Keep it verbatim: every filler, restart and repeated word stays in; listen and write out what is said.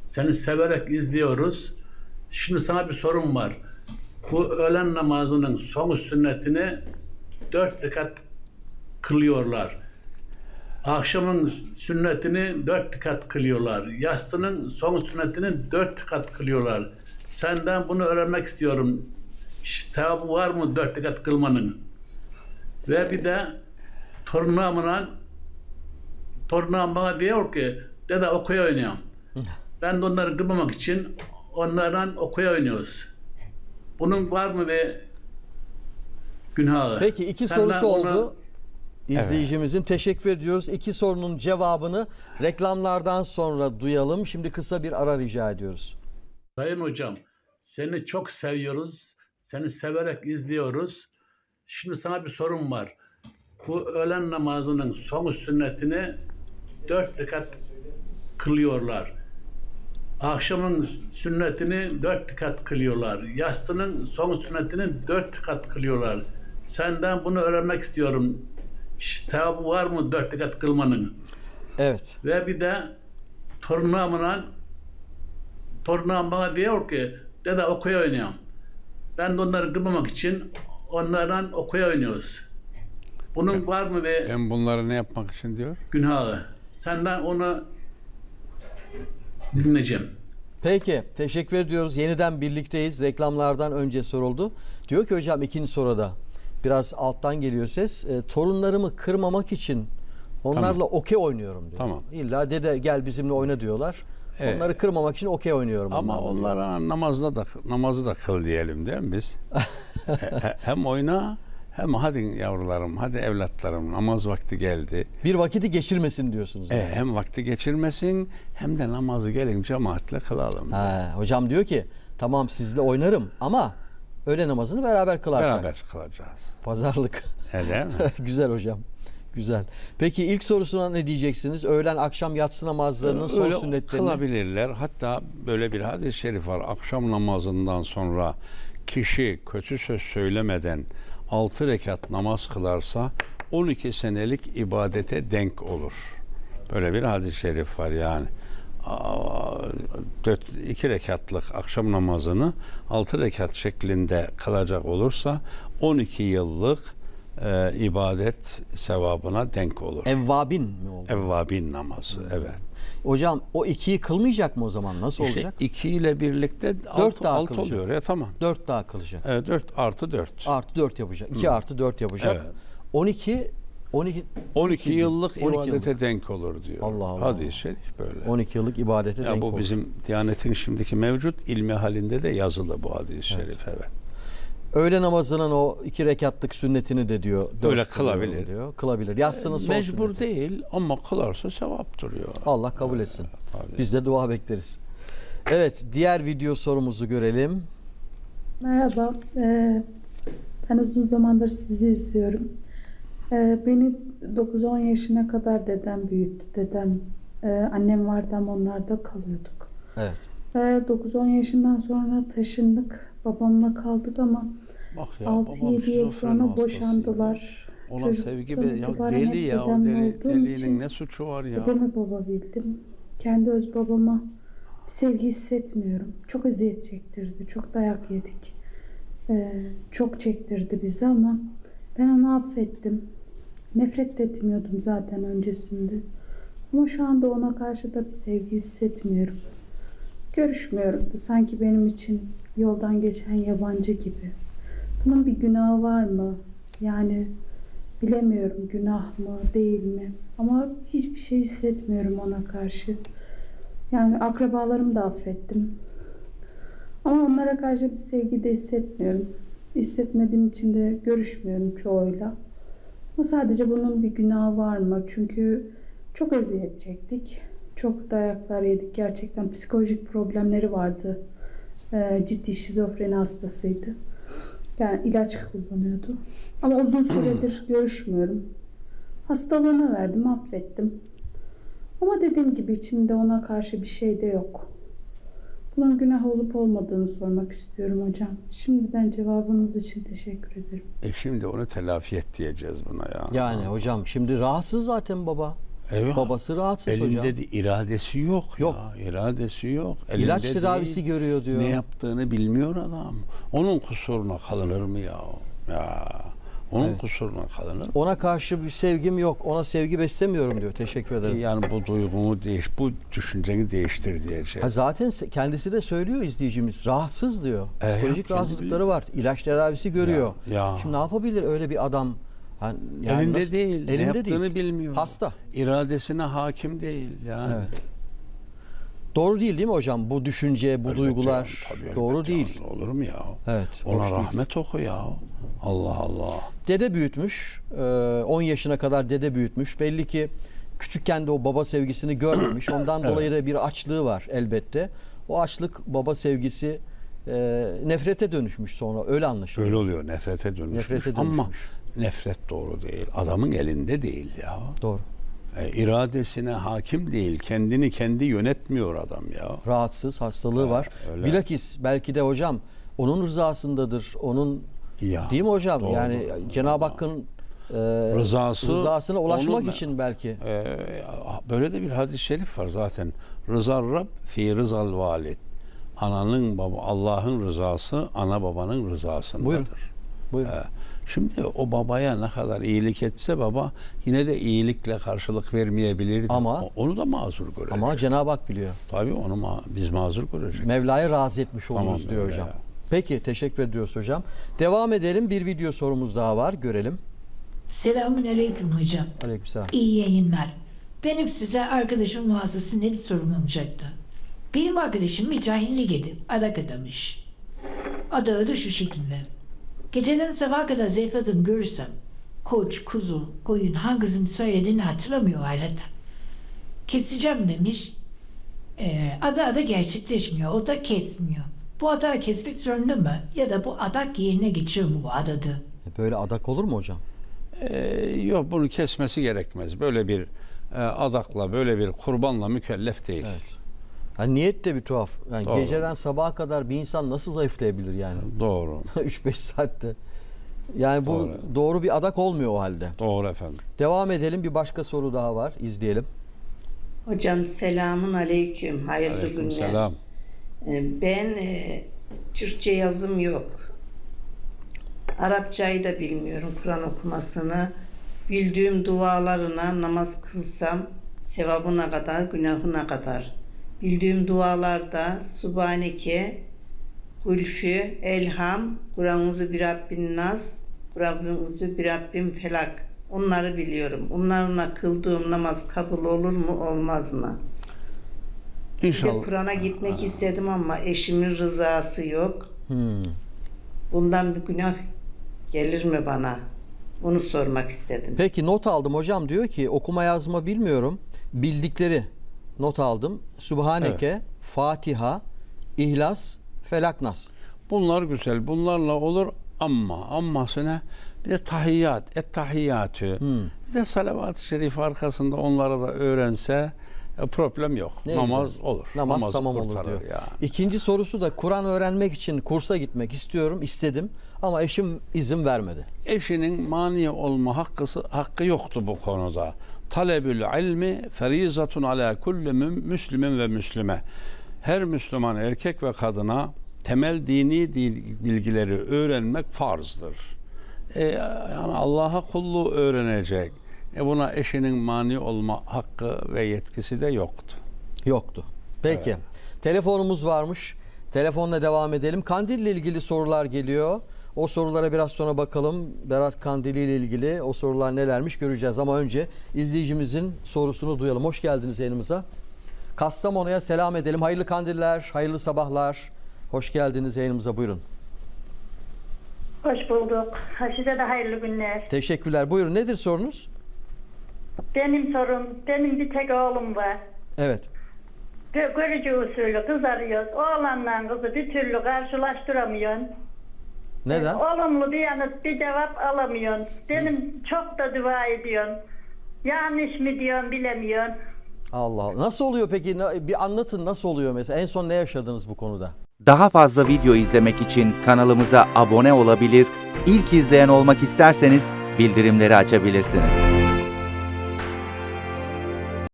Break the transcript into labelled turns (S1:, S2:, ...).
S1: Seni severek izliyoruz. Şimdi sana bir sorum var. Bu öğlen namazının son sünnetini dört rekat kılıyorlar. Akşamın sünnetini dört rekat kılıyorlar. Yatsının son sünnetini dört rekat kılıyorlar. Senden bunu öğrenmek istiyorum. Sevabı var mı dört rekat kılmanın? Ve bir de torunumla torunum bana diyor ki dede okuya oynuyorum. Ben de onları kırmamak için onlardan okuya oynuyoruz. Bunun var mı bir günahı?
S2: Peki iki
S1: Senden
S2: sorusu
S1: onu-
S2: oldu. İzleyicimizin teşekkür ediyoruz. İki sorunun cevabını reklamlardan sonra duyalım. Şimdi kısa bir ara rica ediyoruz.
S1: Sayın hocam, seni çok seviyoruz. Seni severek izliyoruz. Şimdi sana bir sorum var. Bu öğlen namazının son sünnetini dört rekat kılıyorlar. Akşamın sünnetini dört rekat kılıyorlar. Yatsının son sünnetini dört rekat kılıyorlar. Senden bunu öğrenmek istiyorum. Sevabı var mı dört rekat kılmanın?
S2: Evet.
S1: Ve bir de torunumla torunum bana diyor ki dede okuya oynuyorum. Ben de onları kırmamak için onlardan okuya oynuyoruz. Bunun
S3: Ben-
S1: var mı bir
S3: Ben bunları ne yapmak için diyor?
S1: günahı? Senden onu dinleyeceğim.
S2: Peki teşekkür ediyoruz. Yeniden birlikteyiz. Reklamlardan önce soruldu. Diyor ki hocam ikinci soruda biraz alttan geliyor ses. E, torunlarımı kırmamak için onlarla
S3: Tamam.
S2: okey oynuyorum diyor.
S3: Tamam.
S2: İlla dede gel bizimle oyna diyorlar.
S3: Evet.
S2: Onları kırmamak için okey oynuyorum.
S3: Ama
S2: onlarla diyor.
S3: onlara namazda da namazı da kıl diyelim değil mi biz? He- hem oyna hem hadi yavrularım, hadi evlatlarım namaz vakti geldi.
S2: Bir vakiti geçirmesin diyorsunuz.
S3: E,
S2: yani.
S3: hem vakti geçirmesin hem de namazı gelin cemaatle kılalım.
S2: Ha, hocam diyor ki tamam sizle oynarım ama öğle namazını beraber kılarsak.
S3: Beraber kılacağız.
S2: Pazarlık.
S3: E, değil mi?
S2: Güzel hocam. Güzel. Peki ilk sorusuna ne diyeceksiniz? Öğlen akşam yatsı namazlarının son
S3: Öyle
S2: sünnetlerini.
S3: kılabilirler. Hatta böyle bir hadis-i şerif var. Akşam namazından sonra kişi kötü söz söylemeden altı rekat namaz kılarsa on iki senelik ibadete denk olur. Böyle bir hadis-i şerif var yani. iki rekatlık akşam namazını altı rekat şeklinde kılacak olursa on iki yıllık e, ibadet sevabına denk olur.
S2: Evvabin mi oldu?
S3: Evvabin namazı, evet.
S2: Hocam o ikiyi kılmayacak mı o zaman? Nasıl
S3: İşte
S2: olacak?
S3: iki ile birlikte
S2: Dört
S3: alt,
S2: daha
S3: alt
S2: kılacak.
S3: oluyor ya, tamam.
S2: Dört daha kılacak.
S3: Evet, dört artı dört.
S2: Artı dört yapacak. İki artı dört yapacak.
S3: Evet.
S2: On iki on iki
S3: on iki yıllık
S2: on iki
S3: ibadete
S2: yıllık.
S3: denk olur diyor.
S2: Allah Allah.
S3: Hadis-i şerif böyle.
S2: on iki yıllık ibadete
S3: Ya
S2: denk
S3: bu
S2: olur.
S3: bizim Diyanet'in şimdiki mevcut ilmi halinde de yazılı bu hadis-i şerif, evet.
S2: Öğle namazının o iki rekatlık sünnetini de diyor. dört
S3: Öyle
S2: kılıyorum
S3: kılabilir.
S2: Diyor. Kılabilir. Yatsının son
S3: Mecbur
S2: sünneti.
S3: değil ama kılarsa sevaptır diyor.
S2: Allah kabul etsin.
S3: Tabii.
S2: Biz de dua bekleriz. Evet, diğer video sorumuzu görelim.
S4: Merhaba, ee, ben uzun zamandır sizi izliyorum. Ee, beni dokuz on yaşına kadar dedem büyüttü. Dedem, e, annem vardı ama onlarda kalıyorduk.
S2: Evet.
S4: Ee, dokuz on yaşından sonra taşındık. Babamla kaldık ama
S3: Bak ya,
S4: altı
S3: babam
S4: yedi yıl
S3: şizofren
S4: sonra
S3: hastasıydı.
S4: boşandılar.
S3: Ona sevgi be, ya
S4: itibaren
S3: deli
S4: hep
S3: ya, o
S4: dedemle
S3: deli,
S4: olduğum
S3: delinin
S4: için
S3: ne suçu var ya?
S4: dedemi baba bildim. Kendi öz babama bir sevgi hissetmiyorum. Çok eziyet çektirdi. Çok dayak yedik. Ee, çok çektirdi bizi ama ben onu affettim. Nefret de etmiyordum zaten öncesinde. Ama şu anda ona karşı da bir sevgi hissetmiyorum. Görüşmüyorum da sanki benim için yoldan geçen yabancı gibi. Bunun bir günahı var mı? Yani bilemiyorum, günah mı değil mi? Ama hiçbir şey hissetmiyorum ona karşı. Yani akrabalarımı da affettim. Ama onlara karşı bir sevgi de hissetmiyorum. Hissetmediğim için de görüşmüyorum çoğuyla. Ama sadece bunun bir günahı var mı? Çünkü çok eziyet çektik. Çok dayaklar yedik. Gerçekten psikolojik problemleri vardı. Ee, ciddi şizofreni hastasıydı. Yani ilaç kullanıyordu. Ama uzun süredir görüşmüyorum. Hastalığına verdim, affettim. Ama dediğim gibi içimde ona karşı bir şey de yok. Bunun günah olup olmadığını sormak istiyorum hocam. Şimdiden cevabınız için teşekkür ederim.
S3: E şimdi onu telafi et diyeceğiz buna ya.
S2: Yani hocam şimdi rahatsız zaten baba.
S3: Eyvah.
S2: Babası rahatsız
S3: Elinde
S2: hocam.
S3: de iradesi yok,
S2: Yok.
S3: ya. İradesi yok. Elinde
S2: İlaç
S3: değil.
S2: tedavisi görüyor diyor.
S3: Ne yaptığını bilmiyor adam. Onun kusuruna kalınır mı ya? Ya. Onun
S2: Evet.
S3: kusuruna kalınır mı?
S2: Ona karşı bir sevgim yok. Ona sevgi beslemiyorum diyor. Teşekkür ederim.
S3: Yani bu duygumu değiş, bu düşünceni değiştir diyeceğim.
S2: Ha zaten se- kendisi de söylüyor izleyicimiz. Rahatsız diyor.
S3: E,
S2: Psikolojik
S3: kendi
S2: rahatsızlıkları var. İlaç tedavisi görüyor.
S3: Ya, ya.
S2: Şimdi ne yapabilir öyle bir adam? Ha, yani
S3: Elinde
S2: nasıl-
S3: değil. ne
S2: Elinde
S3: yaptığını
S2: değil.
S3: bilmiyor.
S2: Hasta.
S3: İradesine hakim değil. Yani.
S2: Evet. Doğru değil değil mi hocam? Bu düşünce, bu
S3: Elbette
S2: duygular
S3: yani, tabii
S2: doğru
S3: elbette
S2: değil.
S3: yani. Olur mu ya?
S2: Evet.
S3: Ona
S2: hoş değil.
S3: rahmet oku ya. Allah Allah.
S2: Dede büyütmüş. Ee, on yaşına kadar dede büyütmüş. Belli ki küçükken de o baba sevgisini görmemiş. Ondan dolayı da bir açlığı var elbette. O açlık, baba sevgisi e, nefrete dönüşmüş sonra. Öyle anlaşılıyor.
S3: Öyle oluyor. Nefrete dönüşmüş.
S2: Nefrete
S3: Ama
S2: dönüşmüş.
S3: nefret doğru değil. Adamın elinde değil ya.
S2: Doğru.
S3: E, iradesine hakim değil. Kendini kendi yönetmiyor adam ya.
S2: Rahatsız, hastalığı var.
S3: öyle.
S2: Bilakis belki de hocam onun rızasındadır. Onun
S3: Ya,
S2: değil mi hocam?
S3: doğru.
S2: Yani Cenab-ı Hakk'ın e,
S3: Rızası,
S2: rızasına ulaşmak
S3: onun-
S2: için belki.
S3: Ee, böyle de bir hadis-i şerif var zaten. Rıza Rab fi rızal valid. Ananın baba Allah'ın rızası ana babanın rızasındadır.
S2: Buyurun. Buyurun.
S3: Ee, şimdi o babaya ne kadar iyilik etse baba yine de iyilikle karşılık vermeyebilirdi.
S2: Ama-
S3: O- onu da mazur görecek.
S2: Ama Cenab-ı Hak biliyor.
S3: Tabii onu ma- biz mazur görecek.
S2: Mevla'ya razı etmiş oluruz
S3: Tamam,
S2: diyor
S3: öyle
S2: hocam.
S3: ya.
S2: Peki teşekkür ediyoruz hocam. Devam edelim. Bir video sorumuz daha var. Görelim.
S5: Selamünaleyküm hocam.
S2: Aleykümselam.
S5: İyi yayınlar. Benim size arkadaşım vasıtasıyla bir sorum olacaktı. Benim arkadaşım mücahillik edip adak adamış. Adağı da şu şekilde. Geceden sabaha kadar zayıfladım görürsem koç, kuzu, koyun hangisini söylediğini hatırlamıyor ailete. Keseceğim demiş. Ee, adağı da gerçekleşmiyor. O da kesmiyor. Bu adağı kesmek zorunda mı? Ya da bu adak yerine geçiyor mu bu adadı?
S2: Böyle adak olur mu hocam?
S3: Ee, yok bunu kesmesi gerekmez. Böyle bir e, adakla, böyle bir kurbanla mükellef değil.
S2: Evet. Yani niyet de bir tuhaf. Yani
S3: Doğru.
S2: geceden sabaha kadar bir insan nasıl zayıflayabilir yani?
S3: Doğru.
S2: üç beş saatte. Yani bu doğru.
S3: Doğru.
S2: bir adak olmuyor o halde.
S3: Doğru efendim.
S2: Devam edelim. Bir başka soru daha var. İzleyelim.
S6: Hocam selamun aleyküm. Hayırlı günler.
S3: Aleykümselam.
S6: Ee, Ben e, Türkçe yazım yok. Arapçayı da bilmiyorum, Kur'an okumasını. Bildiğim dualarına namaz kılsam sevabına kadar, günahına kadar. Bildiğim dualarda Subhaneke, Gülfü, Elham, Kur'an-ı bir Rabbin Nas, Kur'an-ı bir Rabbin Felak. Onları biliyorum. Onlarla kıldığım namaz kabul olur mu, olmaz mı? Bir de
S3: İnşallah.
S6: Kur'an'a gitmek istedim ama eşimin rızası yok.
S2: Hmm.
S6: Bundan bir günah gelir mi bana? Onu sormak istedim.
S2: Peki not aldım hocam, diyor ki okuma yazma bilmiyorum. Bildikleri not aldım. Subhaneke, Fatiha, İhlas, Felak, Nas.
S3: Bunlar güzel. Bunlarla olur ama amması ne? Bir de tahiyyat, et tahiyyatü.
S2: Hmm.
S3: Bir de salavat-ı şerif arkasında onları da öğrense e, problem yok.
S2: Ne
S3: Namaz
S2: güzel.
S3: olur.
S2: Namaz
S3: Namazı
S2: tamam olur
S3: kurtarır
S2: diyor.
S3: yani.
S2: İkinci sorusu da Kur'an öğrenmek için kursa gitmek istiyorum, istedim ama eşim izin vermedi.
S3: Eşinin mani olma hakkısı, hakkı yoktu bu konuda. Talebül ilmi ferizatun ala kulli mü- müslümin ve müslüme. Her Müslüman erkek ve kadına temel dini dil- bilgileri öğrenmek farzdır. E, yani Allah'a kulluğu öğrenecek. E buna eşinin mani olma hakkı ve yetkisi de yoktu.
S2: Yoktu. Peki. Telefonumuz varmış. Telefonla devam edelim. Kandil ile ilgili sorular geliyor. O sorulara biraz sonra bakalım. Berat Kandili ile ilgili o sorular nelermiş göreceğiz. Ama önce izleyicimizin sorusunu duyalım. Hoş geldiniz yayınımıza. Kastamonu'ya selam edelim. Hayırlı kandiller, hayırlı sabahlar. Hoş geldiniz yayınımıza, buyurun.
S7: Hoş bulduk. Size de hayırlı günler.
S2: Teşekkürler. Buyurun, nedir sorunuz?
S7: Benim sorum, benim bir tek oğlum var.
S2: Evet.
S7: Gö- Görücü usulü kız arıyoruz. Oğlanla kızı bir türlü karşılaştıramıyorsun.
S2: Neden?
S7: Olumlu bir yanıt, bir cevap alamıyorsun. Benim çok da dua ediyorsun. Yanlış mı diyorsun bilemiyorsun.
S2: Allah Allah. Nasıl oluyor peki? Na- Bir anlatın, nasıl oluyor mesela? En son ne yaşadınız bu konuda?
S8: Daha fazla video izlemek için kanalımıza abone olabilir, ilk izleyen olmak isterseniz bildirimleri açabilirsiniz.